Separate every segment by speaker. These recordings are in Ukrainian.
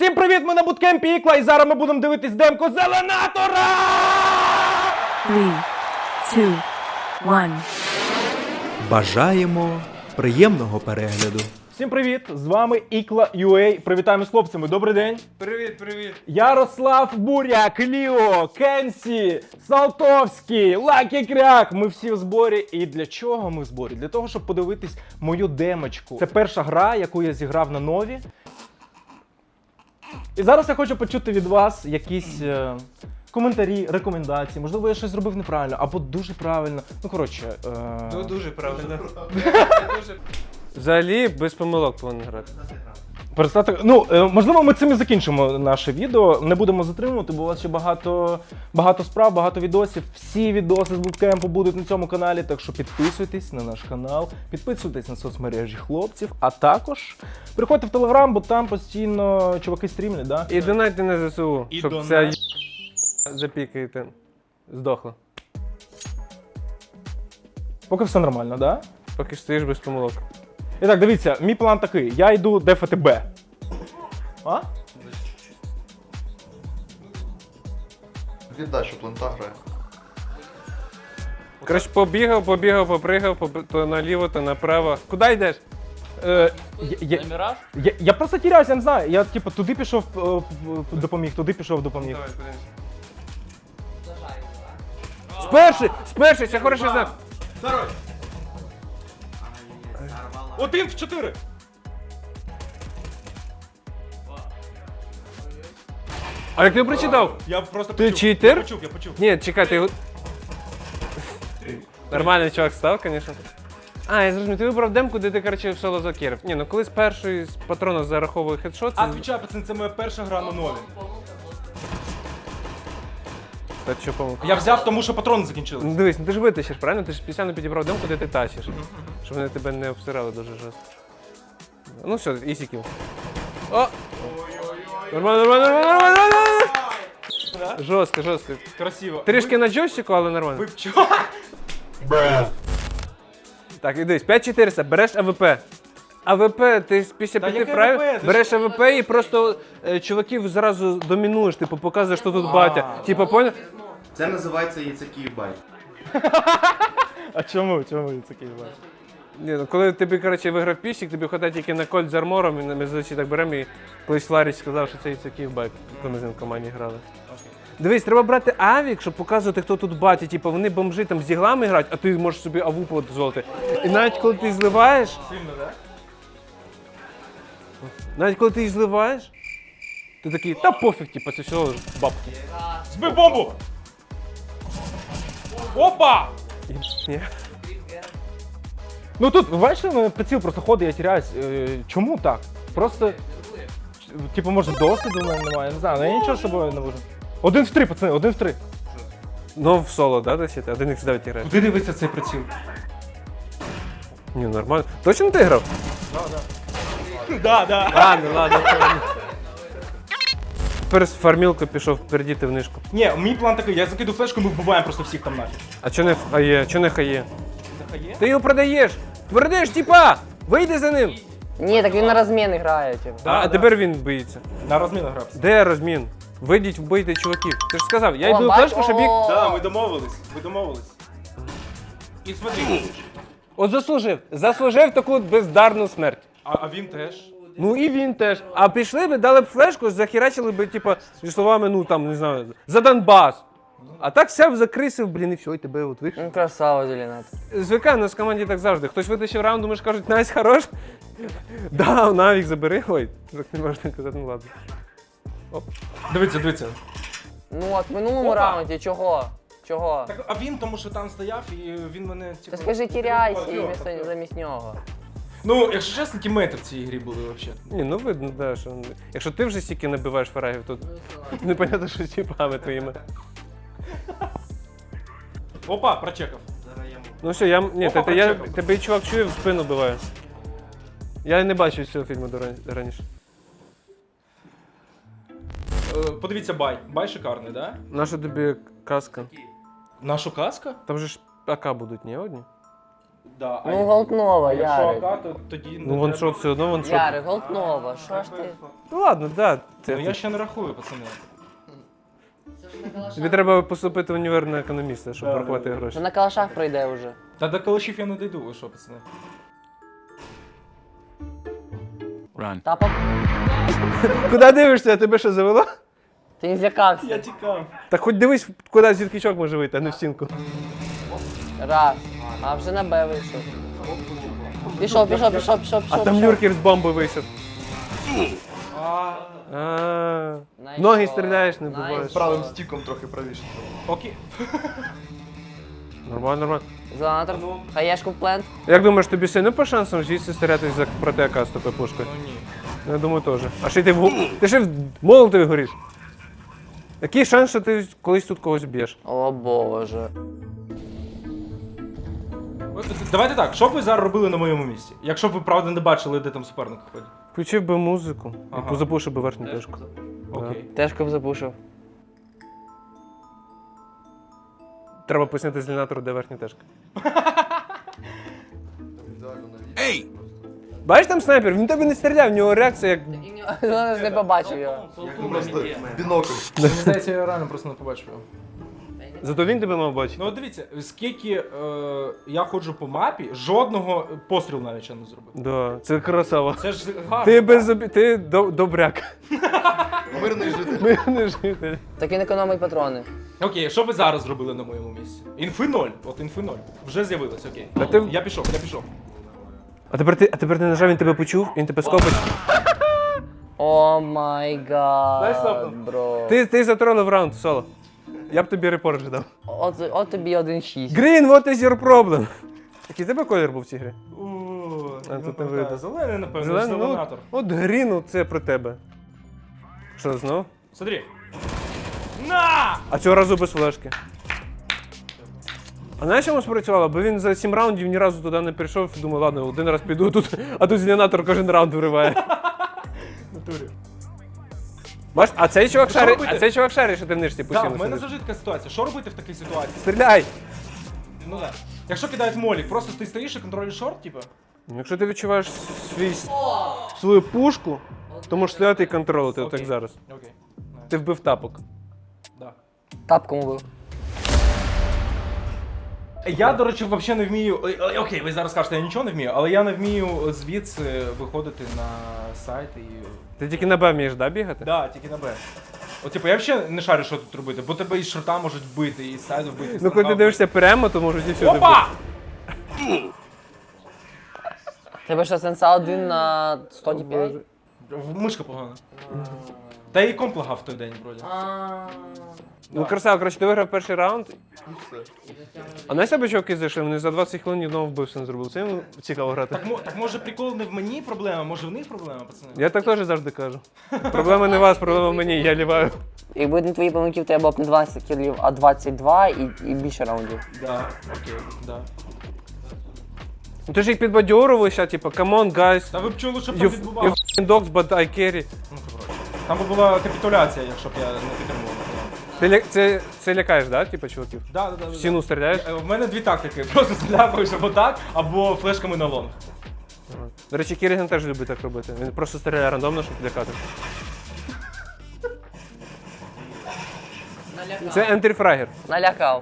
Speaker 1: Всім привіт, ми на буткемпі Ікла, і зараз ми будемо дивитись демку Зеленатора!
Speaker 2: 3, 2, 1.
Speaker 3: Бажаємо приємного перегляду.
Speaker 1: Всім привіт, з вами Ікла.UA. Привітаємо з хлопцями, добрий день.
Speaker 4: Привіт.
Speaker 1: Ярослав Буря, Кліо, Кенсі, Салтовський, Лакі Кряк. Ми всі в зборі. І для чого ми в зборі? Для того, щоб подивитись мою демочку. Це перша гра, яку я зіграв на нові. І зараз я хочу почути від вас якісь коментарі, рекомендації. Можливо, я щось зробив неправильно, або дуже правильно. Ну, коротше.
Speaker 4: Ну дуже правильно. Взагалі без помилок повинен грати.
Speaker 1: Перестати. Ну, можливо, ми цим і закінчимо наше відео. Не будемо затримувати, бо у вас ще багато справ, багато відосів. Всі відоси з буткемпу будуть на цьому каналі, так що підписуйтесь на наш канал, підписуйтесь на соцмережі хлопців, а також приходьте в Телеграм, бо там постійно чуваки стрімлять, да?
Speaker 4: І донайте на ЗСУ,
Speaker 1: І
Speaker 4: щоб
Speaker 1: донать.
Speaker 4: ця запікаєте. Здохла.
Speaker 1: Поки все нормально, да?
Speaker 4: Поки стоїш без помилок.
Speaker 1: І так, дивіться, мій план такий. Я йду дефати Б. А?
Speaker 5: Віддай, що плента грає.
Speaker 4: Коротше, попригав, то наліво, то направо. Куди йдеш?
Speaker 1: Я просто тіряюсь, я не знаю. Я типу туди пішов, допоміг, туди пішов, допоміг.
Speaker 4: Сперший, це хороший знак.
Speaker 1: Один в 4.
Speaker 4: А як ти прочитав?
Speaker 1: Я просто
Speaker 4: Ти
Speaker 1: почув.
Speaker 4: читер?
Speaker 1: Я почув.
Speaker 4: Ні, чекай, ти його... Нормальний чувак став, звісно. А, я зрозумів, ти вибрав демку, де ти, коротше, в соло закерив. Ні, ну коли з першої з патрона зараховує хедшот, це...
Speaker 1: А, відвічаю, пацан, це моя перша гра на нові.
Speaker 4: Та що помилка?
Speaker 1: Я взяв, тому що патрони
Speaker 4: Ну
Speaker 1: закінчились.
Speaker 4: дивись, ну ти ж витащиш, правильно? Ти ж спеціально підібрав демку, де ти тащиш. Щоб вони тебе не обсирали дуже жорстко. Ну все, ісіків. О! Нормально. Жорстко.
Speaker 1: Красиво.
Speaker 4: Трішки на джойстику, але нормально.
Speaker 1: Ви чого?
Speaker 4: Так, і дивись, 5400, береш АВП. АВП, ти після
Speaker 1: Та
Speaker 4: 5
Speaker 1: яке
Speaker 4: фрайв
Speaker 1: АВП? Ти
Speaker 4: береш АВП і просто чуваків зразу домінуєш, типу показуєш, що тут батя. Типу, поняв?
Speaker 5: Це називається яйцеків байт.
Speaker 1: А чому? Чому я такий бачу?
Speaker 4: Ні, ну коли тобі, коротше, виграв пісік, тобі хватає тільки на кольт з армором, і ми зазвичай так беремо, і колись Ларіч сказав, що це такий байк, коли ми з ним в команді грали. Дивись, треба брати авік, щоб показувати, хто тут батя. Типу, вони бомжи там з діглами грають, а ти можеш собі аву дозволити. І навіть коли ти зливаєш,
Speaker 1: Сильно, так?
Speaker 4: ти такий, та пофіг, типу, це все бабки.
Speaker 1: Збив бомбу! Опа!
Speaker 4: Ні.
Speaker 1: Ну тут, ви бачите, у мене приціл просто ходить, я тіряюсь. Чому так? Просто, типу, може досвіду у мене немає, я не знаю, але я нічого з собою не можу. 1 в 3, пацани, 1 в 3.
Speaker 4: Ну, в соло, да, досі? 1х9 граєш?
Speaker 1: Куди дивиться цей приціл?
Speaker 4: Ні, нормально. Точно ти грав?
Speaker 1: Да.
Speaker 4: Ладно. Тепер з фармілку пішов передіти в нишку.
Speaker 1: Ні, мій план такий, я закиду флешку, ми вбиваємо просто всіх там нафіг.
Speaker 4: А чо не хає? Чо не хає?
Speaker 1: Захає?
Speaker 4: Ти його продаєш! Продаєш, типа! Вийди за ним!
Speaker 6: Ні, так він на розмін грає, типу.
Speaker 4: А тепер він боїться.
Speaker 1: На розмінах грався.
Speaker 4: Де розмін? Вийдіть, вбийте чуваків. Ти ж сказав, я йду в
Speaker 6: бач,
Speaker 4: флешку, щоб їх...
Speaker 1: Да, ми домовились. І смотри,
Speaker 4: От заслужив таку бездарну смерть.
Speaker 1: а він теж.
Speaker 4: Ну і він теж. А пішли би, дали б флешку, захерачили би, типа, зі словами, ну там, не знаю, за Донбас. А так сяв, закрисив, блін, і все, і тебе от вийшов.
Speaker 6: Ну, красава, Зеленат.
Speaker 4: Звикай, у нас в команді так завжди. Хтось витащив раунд, думаєш, кажуть, Настя, хорош. Да, навік забери. Ой, так не можна казати, ну ладно.
Speaker 1: Дивіться.
Speaker 6: Ну от, в минулому
Speaker 1: Опа.
Speaker 6: раунді чого? Чого?
Speaker 1: Так, а він тому що там стояв і він мене, типу...
Speaker 6: Та скажи, тіряйся і
Speaker 1: Йо,
Speaker 6: замість нього.
Speaker 1: Ну, якщо чесно, тімейти в цій грі були взагалі.
Speaker 4: Ні, ну видно, да, що... Якщо ти вже стільки набиваєш фрагів, то непонятно, що з тіпами твоїми.
Speaker 1: Опа, прочекав.
Speaker 4: Ну все, ні,
Speaker 1: Опа,
Speaker 4: я
Speaker 1: прочекав.
Speaker 4: тебе і чувак чує, в спину биває. Я не бачив цього фільму раніше.
Speaker 1: Подивіться бай. Бай шикарний, да?
Speaker 4: Наша тобі каска.
Speaker 1: Нашу каска?
Speaker 4: Там же ж АК будуть, ні, одні?
Speaker 1: Да,
Speaker 6: Ну, Голтнова,
Speaker 1: якщо
Speaker 6: Ярик.
Speaker 1: АК, то тоді не
Speaker 4: Ну вон
Speaker 1: треба.
Speaker 4: що, все одно вон що.
Speaker 6: Ярик, Голтнова, що ж ти?
Speaker 4: Ну ладно, да.
Speaker 1: Ну я ще не рахую, пацани.
Speaker 4: Тобі треба поступити в універ на економіста, щоб
Speaker 1: Да,
Speaker 4: порахувати
Speaker 1: да.
Speaker 6: Це
Speaker 4: гроші.
Speaker 6: на калашах пройде вже.
Speaker 1: Та до калашів я не дійду, ви що, пацани?
Speaker 6: Тапок?
Speaker 4: Куди дивишся, тебе що завело?
Speaker 6: Ти не злякався.
Speaker 1: тікав.
Speaker 4: Так хоч дивись, куди звідкичок може вийти, а не в стінку.
Speaker 6: Раз. А вже на Б вийшов. Пішов.
Speaker 4: А там Нюркер з бомби вийшов. Ноги стріляєш, не буваєш.
Speaker 5: Правим стіком трохи правіше.
Speaker 1: Окей.
Speaker 4: Нормально.
Speaker 6: Зеланатор. Хаєшку в плент.
Speaker 4: Як думаєш, тобі сильно по шансам звідси стрілятись за проти АК з тобою пушкою?
Speaker 1: Ну ні.
Speaker 4: Я думаю, теж. А ще й ти ще в молотові гориш. Який шанс, що ти колись тут когось б'єш?
Speaker 6: О боже.
Speaker 1: Давайте так, що б ви зараз робили на моєму місці? Якщо б ви правда не бачили, де там суперник ходить.
Speaker 4: Включив би музику,
Speaker 1: Ага.
Speaker 4: яку запушив би верхню точку.
Speaker 1: Окей.
Speaker 6: Тежко б запушив.
Speaker 4: Треба пояснити зеленатору, де верхня тежка.
Speaker 5: Ей!
Speaker 4: Бачиш там снайпер? Він тебе не стріляв, в нього реакція як.
Speaker 6: Зеленатор не побачив його.
Speaker 5: Просто бінокль.
Speaker 1: Мені здається, я реально просто не побачив його.
Speaker 4: Зато він тебе мав бачити.
Speaker 1: Ну от дивіться, скільки я ходжу по мапі, жодного пострілу навіть ще не зробив.
Speaker 4: Да, це красава.
Speaker 1: Це ж гарно.
Speaker 4: Ти ти добряк.
Speaker 5: Мирний житель.
Speaker 4: Ми не житель.
Speaker 6: Так він економить патрони.
Speaker 1: Окей, що ви зараз зробили на моєму місці? Інфи 0. От інфи 0. Вже з'явилось, окей.
Speaker 4: Та ти-
Speaker 1: Я пішов.
Speaker 4: А тепер ти нажав, він тебе почув, він тебе скопить.
Speaker 6: О май
Speaker 4: Дай
Speaker 6: гад,
Speaker 4: стопну.
Speaker 6: бро.
Speaker 4: Ти затролив раунд, соло. Я б тобі репорт вже дав.
Speaker 6: От тобі 1-6.
Speaker 4: Green, what is your problem? Який тебе колір був в цій грі?
Speaker 1: А
Speaker 4: тут не видно.
Speaker 1: Зелений, напевно,
Speaker 4: Зелений, ну,
Speaker 1: зеленатор.
Speaker 4: от Green, це про тебе. Що, знов?
Speaker 1: Смотри. На!
Speaker 4: А цього разу без флешки. А знаєш, чому спрацювало? Бо він за 7 раундів ні разу туди не прийшов, думав, ладно, один раз піду тут, а тут зеленатор кожен раунд вириває.
Speaker 1: Натурі.
Speaker 4: Бачиш, а цей чувак
Speaker 1: Що
Speaker 4: шарить,
Speaker 1: робити?
Speaker 4: а цей чувак шарить, що ти в нишці
Speaker 1: Так,
Speaker 4: постійно
Speaker 1: в мене
Speaker 4: сидиш.
Speaker 1: завжди така ситуація. Що робити в такій ситуації?
Speaker 4: Стріляй!
Speaker 1: Ну так. Якщо кидають молік, просто ти стоїш і контролюєш шорт, типу?
Speaker 4: Якщо ти відчуваєш свою пушку, то можеш стояти і контролити, отак
Speaker 1: Окей.
Speaker 4: зараз.
Speaker 1: Окей.
Speaker 4: Ти вбив тапок.
Speaker 1: Да.
Speaker 6: Тапком убив.
Speaker 1: Я, до речі, взагалі не вмію. Окей, ви зараз скажете, я нічого не вмію, але я не вмію звідси виходити на сайт і.
Speaker 4: Ти тільки на Б вмієш, да, бігати?
Speaker 1: Да, тільки на Б. От, типу, я взагалі не шарю, що тут робити, бо тебе і з шорта можуть вбити, і з сайду вбити. і з
Speaker 4: Ну коли
Speaker 1: фронта
Speaker 4: ти дивишся прямо, то можуть і всюди вбити.
Speaker 1: Опа!
Speaker 6: Тебе що, сенса 1 на 100 DPI?
Speaker 1: Мишка погана. Та і комп лагав в той день, вроді.
Speaker 4: Ну красава, коротше, ти виграв перший раунд. А на себе чуваки зайшли, вони за 20 хвилин ні одного вбивства не зробили. Це їм цікаво грати.
Speaker 1: Так може прикол не в мені проблема, може в них проблема, пацани?
Speaker 4: Я так теж завжди кажу. Проблема не вас, проблема в мені, я ліваю.
Speaker 6: Якби не твої помилки, в тебе було б не 20 кілів, а 22 і більше раундів.
Speaker 1: Да, окей, да.
Speaker 4: Ну ти ж їх підбадьорував ще, типу, come on, guys,
Speaker 1: Та ви б чули, що там
Speaker 4: you
Speaker 1: відбувалося.
Speaker 4: f***ing dogs, but I carry.
Speaker 1: Ну, коротше. Там би була капітуляція, якщо б я не підтримував.
Speaker 4: Це лякаєш, да, типу, чуваків?
Speaker 1: Да, да, да.
Speaker 4: В стіну стріляєш?
Speaker 1: В мене дві тактики. Просто стріляєш або так, або флешками на лонг.
Speaker 4: До речі, Кіріган теж любить так робити. Він просто стріляє рандомно, щоб лякати. Це ентріфрагер.
Speaker 6: Налякав.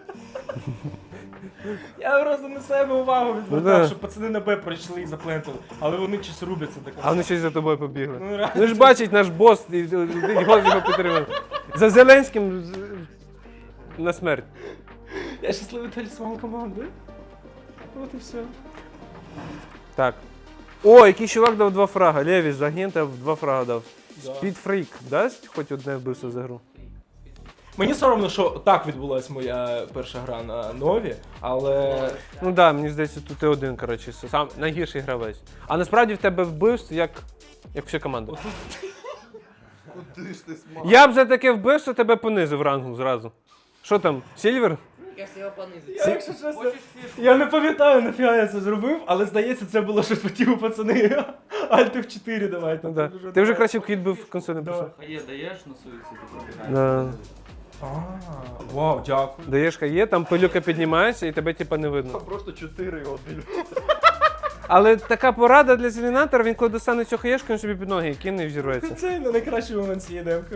Speaker 1: Я просто на себе увагу
Speaker 4: Ну,
Speaker 1: відвертав,
Speaker 4: да.
Speaker 1: щоб пацани на Б пройшли і заплентали. Але вони щось рубляться до
Speaker 4: А
Speaker 1: кінця.
Speaker 4: вони щось за тобою побігли.
Speaker 1: Ну, реально.
Speaker 4: Ну ж бачить наш бос, і його підтримує. За Зеленським на смерть.
Speaker 1: Я щасливий талісман команди. От і все.
Speaker 4: Так. О, який чувак дав 2 фрага. Левіс з агента 2 фрага дав.
Speaker 1: Да.
Speaker 4: Спідфрік дасть хоч одне вбивство за гру?
Speaker 1: Мені соромно, що так відбулася моя перша гра на Нові, але
Speaker 4: Ну так, да, мені здається, тут ти один, коротше, сам найгірший гравець. А насправді в тебе вбивств як вся команда.
Speaker 5: Куди ж ти смак?
Speaker 4: Я б за таке вбивство тебе понизив рангу зразу. Що там, Сільвер?
Speaker 1: я, якщо чесно, я не пам'ятаю, нафіга я це зробив, але здається, це було щось по типу, пацани. Альти в 4 давайте.
Speaker 4: Ну, да. Ти вже краще в кіт бив консоль не пішов.
Speaker 7: Є, даєш на суїці,
Speaker 4: Да.
Speaker 1: Вау, дякую.
Speaker 4: Даєш хає, там пилюка піднімається і тебе типа не видно.
Speaker 5: Просто 4-1.
Speaker 4: Але така порада для зелінатора, він коли достане цю хаєшку, він собі під ноги кине і взірветься.
Speaker 1: Це найкращий момент цієї демки.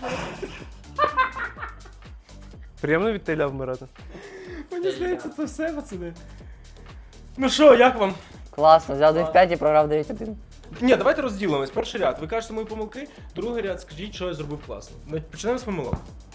Speaker 4: Приємно від теля вмирати.
Speaker 1: Мені здається, це все, пацани. Ну що, як вам?
Speaker 6: Класно, взяв 9-5 і програв 9-1.
Speaker 1: Ні, давайте розділимось. Перший ряд. Ви кажете мої помилки, другий ряд скажіть, що я зробив класно. Почнемо з помилок.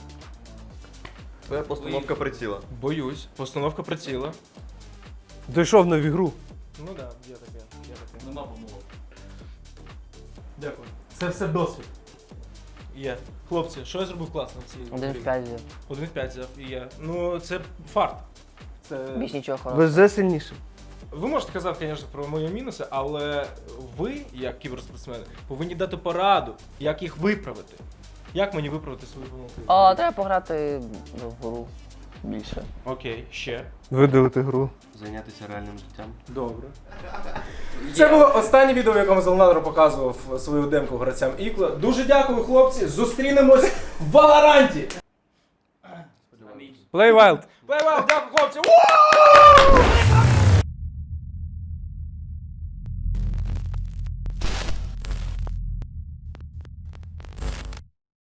Speaker 5: Твоя постановка приціла.
Speaker 1: Боюсь. Постановка приціла.
Speaker 4: Дійшов на ігру.
Speaker 1: Ну так, да, є таке. Нема помилок. Дякую. Це все досвід. Є. Хлопці, що я зробив класно в цій
Speaker 6: 1-5 взяв.
Speaker 1: 1-5 взяв і є. Ну, це фарт. Це...
Speaker 6: Більш нічого хорошого.
Speaker 4: Везе сильніше.
Speaker 1: Ви можете казати, звісно, про мої мінуси, але ви, як кіберспортсмени, повинні дати пораду, як їх виправити. Як мені виправити свої помилки?
Speaker 6: Треба пограти в гру більше.
Speaker 1: Окей, ще.
Speaker 4: Видалити гру.
Speaker 5: Зайнятися реальним життям.
Speaker 1: Добре. Це було останнє відео, в якому Зеленатор показував свою демку гравцям Ікла. Дуже дякую, хлопці. Зустрінемось в Валоранті.
Speaker 4: Play Wild.
Speaker 1: Дякую, хлопці.